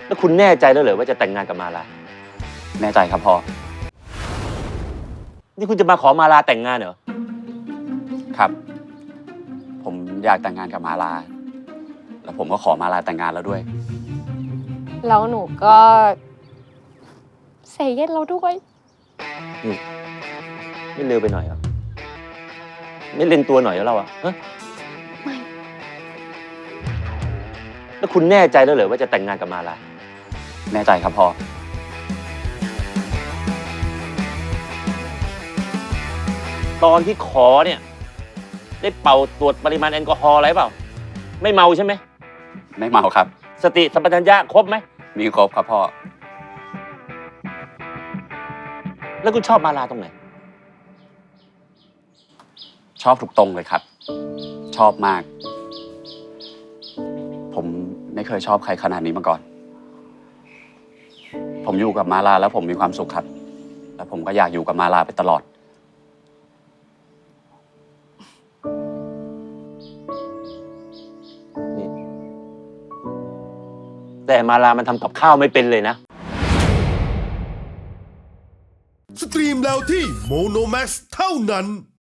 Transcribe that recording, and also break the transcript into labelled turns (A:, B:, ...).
A: แล้วคุณแน่ใจแล้วเหรอว่าจะแต่งงานกับมาลา
B: แน่ใจครับพ่อ
A: นี่คุณจะมาขอมาลาแต่งงานเหรอ
B: ครับ ผมอยากแต่งงานกับมาลาแล้วผมก็ขอมาลาแต่งงานแล้วด้วย
C: แล้วหนูก็เซเยสเราด้วย
A: ไม่เร็วไปหน่อยเหรอไม่เล่นตัวหน่อยแล้วเราอะฮะ
C: ไม่
A: แล้วคุณแน่ใจแล้วเหรอว่าจะแต่งงานกับมาลา
B: แน่ใจครับพ่อ
A: ตอนที่ขอเนี่ยได้เป่าตรวจปริมาณแอลกอฮอล์อะไรเปล่าไม่เมาใช่ไหม
B: ไม่เมาครับ
A: สติสัมปชัญญะครบไหม
B: มีครบครับพ่อ
A: แล้วคุณชอบมาลาตรงไหน
B: ชอบทุกตรงเลยครับ ชอบมาก ผมไม่เคยชอบใครขนาดนี้มาก่อน ผมอยู่กับมาลาแล้วผมมีความสุขครับ แล้วผมก็อยากอยู่กับมาลาไปตลอด
A: แต่มาลามันทำกับข้าวไม่เป็นเลยนะ
D: สตรีมแล้วที่โมโนแม็กซ์เท่านั้น